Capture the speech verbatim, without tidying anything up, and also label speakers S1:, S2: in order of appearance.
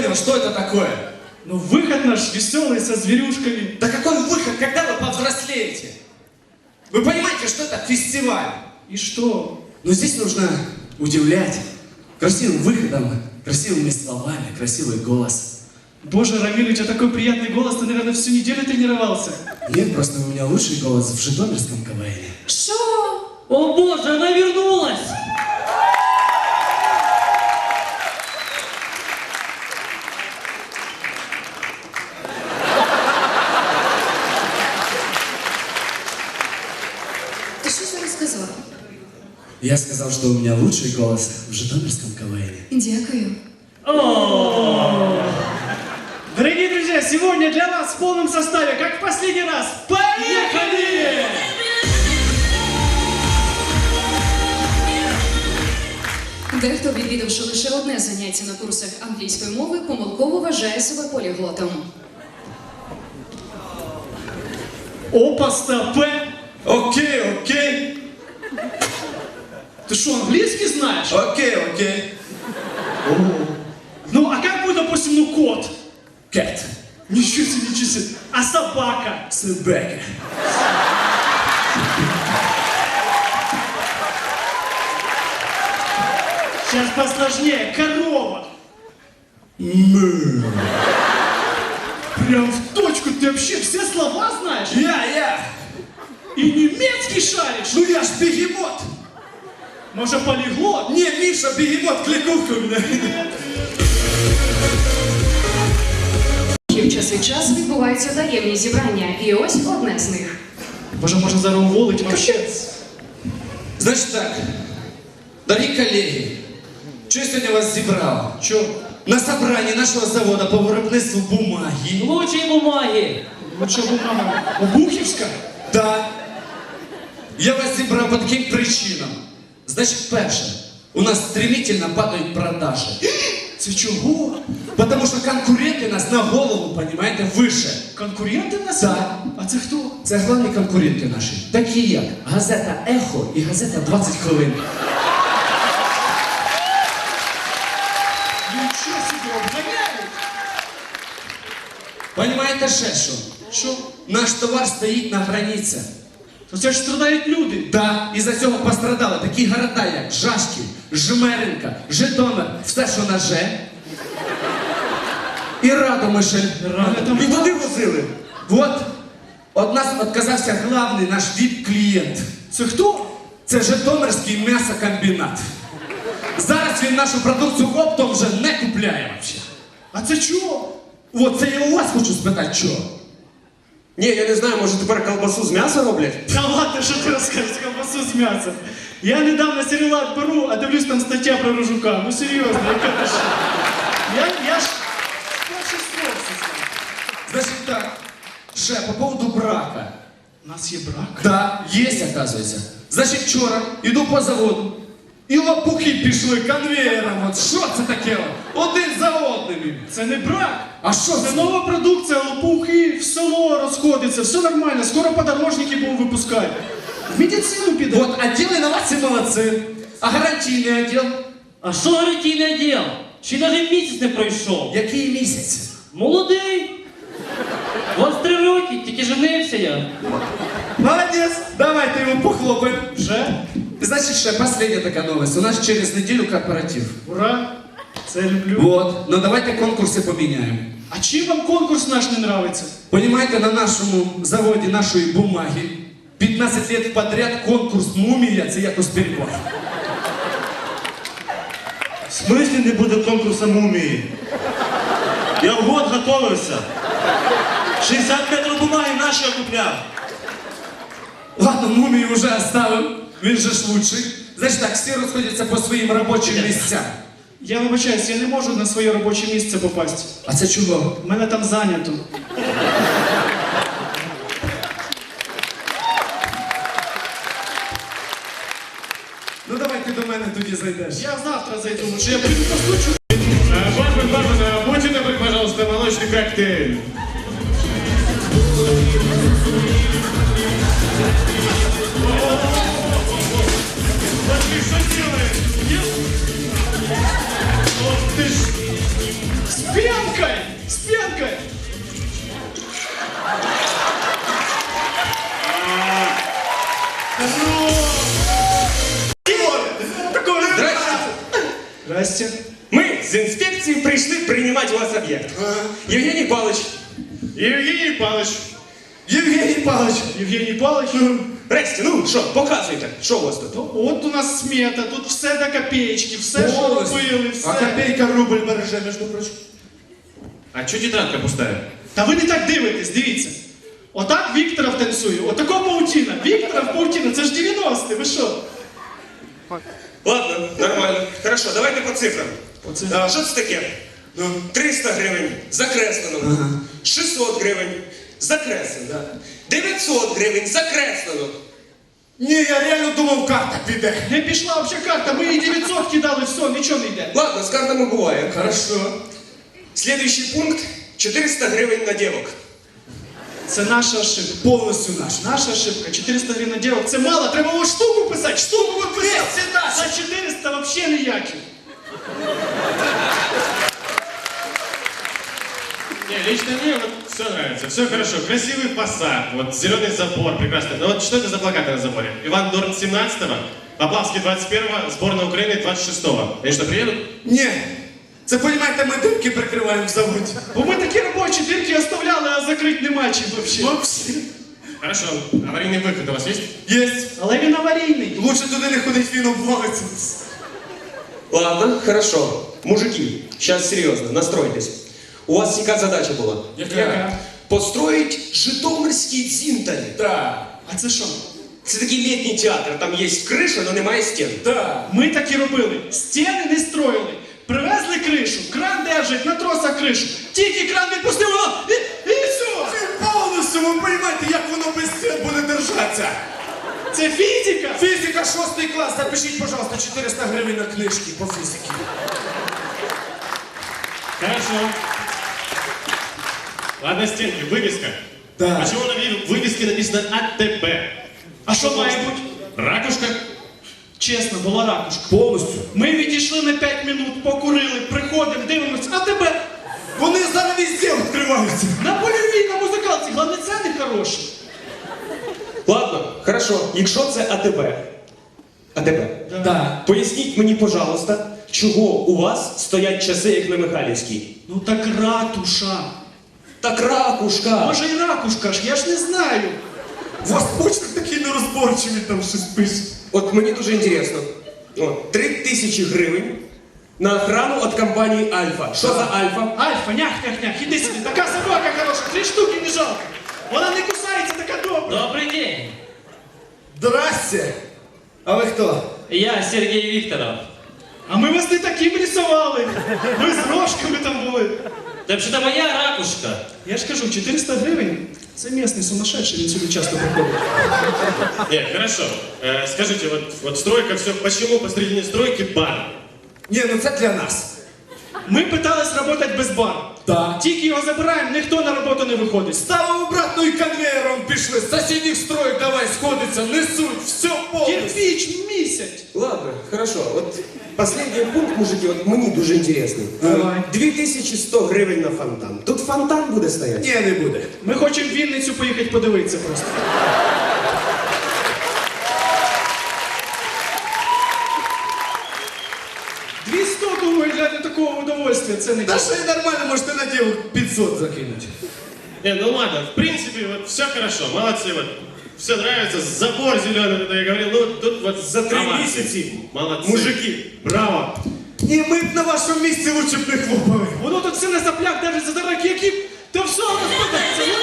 S1: понял, что это такое.
S2: Ну, выход наш веселый, со зверюшками.
S1: Да какой выход, когда вы повзрослеете? Вы понимаете, что это фестиваль?
S2: И что?
S1: Но здесь нужно удивлять красивым выходом, красивыми словами, красивый голос.
S2: Боже, Рамиль, у тебя такой приятный голос, ты, наверное, всю неделю тренировался.
S1: Нет, просто у меня лучший голос в житомирском КВНе.
S3: Что? О боже, она вернулась!
S4: Ты что зараз сказал?
S1: Я сказал, что у меня лучший голос в житомирском КВНе.
S4: Дякую.
S2: Дорогие друзья, сегодня для вас в полном составе, как в последний раз, поехали!
S4: Дехто, відвідавши лише одне заняття на курсах англійської мови, помилково вважає себе поліглотом.
S2: Опа, стопе!
S1: Окей, окей.
S2: Ты что, английский знаешь?
S1: Окей, окей.
S2: Ну, а как будет, допустим, ну, кот?
S1: Кэт.
S2: Ничего себе, ничего себе. А собака?
S1: Собака.
S2: Сейчас посложнее. Корова.
S1: Мэ.
S2: Прям в точку. Ты вообще все слова знаешь?
S1: Я, я.
S2: И немецкий шаришь?
S1: Ну я ж бегемот.
S2: Может, полиглот?
S1: Не, Миша, бегемот, кликуха у меня.
S4: В час від часу відбуваються таємні зібрання, і ось одне з них.
S2: Боже, можно зараз уволить вообще.
S1: Значит так, дорогие коллеги, что я сегодня вас зібрав?
S2: Чё?
S1: На собрании нашего завода по виробництву бумаги.
S3: Лучшие бумаги!
S2: Лучше бумага. Обухівська?
S1: Да. Я вас зібрав по таким причинам. Значит, перше, у нас стремительно падают продажи.
S2: Це чого?
S1: Потому что конкуренты нас на голову, понимаете, выше.
S2: Конкуренти в нас?
S1: Да.
S2: А це хто?
S1: Це головні конкуренти наші. Такі як газета «Ехо» і газета «двадцять хвилин».
S2: Нічого собі, обганяють.
S1: Понимаєте ще що?
S2: Що?
S1: Наш товар стоїть на границі.
S2: То це ж страдають люди.
S1: Да, із-за цього пострадали такі города, як Жашків, Жмеринка, Житомир, все, що на Ж. І Радомишль.
S2: Радомишль.
S1: І туди возили. Вот, від нас відказався главний наш віп-клієнт.
S2: Це хто?
S1: Це Житомирський м'ясокомбінат. Зараз він нашу продукцію оптом вже не купляє вообще.
S2: А це чого?
S1: От це я у вас хочу спитати, чого?
S5: Ні, я не знаю, може тепер колбасу з м'яса роблять?
S2: Та ладно, що ти розкажеш, колбасу з м'яса. Я недавно серіал беру, а дивлюсь, там стаття про Рожука. Ну серйозно, яка ти що? Я, я ж... Перший слов це знаю.
S1: Значить так, ще по поводу брака.
S2: У нас є брак.
S1: Да, є, оказується. Значить, вчора йду по заводу, і лопухи пішли конвеєром. От що це таке? Один за одним.
S2: Це не брак.
S1: А що
S2: Це
S1: це?
S2: нова продукція, лопухи, в село розходиться, все нормально, скоро подорожники будуть випускати. В медицину піде.
S1: От, відділ інновацій молодці. А гарантійний відділ?
S3: А що гарантійний відділ? Ще навіть місяць не пройшов.
S1: Який місяць?
S3: Молодий. двадцять три роки, тільки женився я.
S1: Молодець, давайте йому похлопаємо.
S2: Вже?
S1: Значить, ще остання така новость. У нас через неділю корпоратив.
S2: Ура! Це я люблю.
S1: Вот, ну давайте конкурси поміняємо.
S2: А чим вам конкурс наш не нравится?
S1: Понимаете, на нашому заводі нашої бумаги п'ятнадцять лет подряд конкурс «Мумія» – це якось перебор.
S5: В смислі не буде конкурсу мумії? Я в год готовився. шістдесят метрів бумаги наші я купляв.
S1: Ладно, «Мумію» вже оставив, він же ж лучший. Значить так, всі розходяться по своїм робочим місцям.
S2: Я вибачаюсь, я не можу на своє робоче місце попасти.
S1: А це чого?
S2: У мене там зайнято.
S1: Ну давай ти до мене тоді зайдеш.
S2: Я завтра зайду, лучше я приду постучу.
S6: Бармен, бармен, будьте добры, пожалуйста, молочный коктейль. Вот ты что делаешь? Ох ты ж!
S2: С пенкой! С пенкой! Здрасте.
S7: Ми з інспекції прийшли приймати у вас об'єкт. Євгеній Павлович,
S6: Евгений Павлович.
S1: Євгеній Павлович.
S2: Євгеній Павлович.
S7: Ресті, ну що, показуйте, що у вас тут?
S2: Ну, от у нас смета, тут все до копеечки, все, що
S1: Повністю.
S2: робили, все.
S1: А копейка рубль береже, між прочим.
S6: А чё тетрадка пустая?
S2: Та ви не так дивитесь, дивіться. Отак Вікторов танцює, отако паутіна. Вікторов паутіна, це ж дев'яності, ви що?
S7: Ладно, нормально. Хорошо, давайте по цифрам.
S2: Оце.
S7: А, що це таке? Ну, триста гривень закреслено. шістсот гривень закреслено. дев'ятсот гривень закреслено.
S1: Ні, я реально думав, карта піде.
S2: Не пішла взагалі карта, ми їй дев'ятсот кидали, все, нічого не йде.
S7: Ладно, з картами буває.
S1: Хорошо.
S7: Следующий пункт чотириста гривень на дівок.
S2: Це наша ошибка.
S1: Повністю наш.
S2: Наша ошибка. чотириста гривень на дівок. Це мало, треба було штуку писати, штуку ви писати. За чотириста взагалі ніякі.
S6: Не, лично мне вот все нравится, все хорошо. Красивый фасад, вот зеленый забор, прекрасно. Но вот что это за плакаты на заборе? Иван Дорн семнадцатого, Поплавский двадцать первого, сборная Украины двадцать шестого. Они что, приедут?
S1: Ні. Це, понімаєте, ми дирки прикриваємо в заводі.
S2: Бо ми такі робочі дірки оставляли, а закрити нема чим взагалі.
S1: Вообще.
S6: Хорошо, аварийный выход у вас есть?
S1: Єсть.
S2: Але він аварійний.
S1: Лучше туди не ходить, він обвалиться.
S7: Ладно, хорошо. Мужики, сейчас серьезно, настройтесь. У вас яка задача була?
S2: Яка?
S7: Построить Житомирський дзінтарь.
S1: Так.
S2: А це що?
S7: Це такий літній театр, там є криша, але немає стін.
S1: Так.
S2: Ми так і робили. Стіни не строїли. Привезли кришу, кран держить, на тросах кришу. Тільки кран відпустив, воно і, і все.
S1: Повністю, ви розумієте, як воно без стін буде держатися.
S2: Це фізика.
S1: Фізика, шостий клас, запишіть, пожалуйста, чотириста гривень на книжки по фізиці.
S6: Хорошо. Ладно, стенки, вывеска.
S1: Да.
S6: Почему на вывеске написано АТБ?
S2: А що має бути?
S6: Ракушка?
S2: Чесно, була ракушка.
S1: Повністю.
S2: Ми відійшли на п'ять минут, покурили, приходимо, дивимося, а тебе
S1: Вони зараз везде відкриваються.
S2: на польовій, на музикалці, головне ціни хороші.
S7: Ладно, хорошо. Якщо це АТБ. АТБ.
S1: Да.
S7: Поясніть мені, пожалуйста, чого у вас стоять часи, як на Михайлівській?
S2: Ну так ратуша.
S7: Так ракушка.
S2: Може і ракушка ж, я ж не знаю.
S1: У вас почерк такий нерозборчивий, там щось пише.
S7: От мені дуже інтересно. О, три тисячі гривень на охрану від компанії Альфа. Що за Альфа?
S2: Альфа, нях-нях-нях, іди сюди, така собака хороша, три штуки не жалко. Вона не кусається, така добра.
S3: Добрый день.
S1: Здрасте. А ви хто?
S3: Я Сергей Викторов.
S2: А ми вас не таким рисували. Ви з рожками там були.
S3: Да вообще-то моя ракушка.
S2: Я ж кажу, чотириста гривень, це місний сумасшедший, він сюди часто приходить.
S6: Нет, хорошо. Э, скажите, вот, вот стройка, все, почему посредине стройки бар?
S1: Ні, ну це для нас.
S2: Ми питались працювати без бару.
S1: Так.
S2: Тільки його забираємо, ніхто на роботу не виходить.
S1: Ставимо обратно і конвейером пішли. З сусідніх строїк давай сходиться, несуть, все повністю.
S2: Кирпич місяць.
S7: Ладно, хорошо. От останній пункт, мужики, от мені дуже інтересний.
S2: Давай.
S7: дві тисячі сто гривень на фонтан. Тут фонтан буде стояти?
S1: Ні, не буде.
S2: Ми хочемо в Вінницю поїхати подивитися просто. двісті, думаю, для такого удовольствия це не
S1: Та
S2: чесно.
S1: що і нормально, можете на дівок п'ятсот закинути.
S6: Не, ну ладно, в принципе, вот все хорошо, молодцы, вот. Все нравится, забор зеленый, это я говорил, ну тут вот
S7: За три
S6: овации.
S7: місяці.
S6: Молодцы.
S7: Мужики.
S6: Браво.
S1: Ні, ми б на вашому місці лучше б не хлопали.
S2: Воно тут все на заплях, навіть за дорогі, які... Та все, розпадається,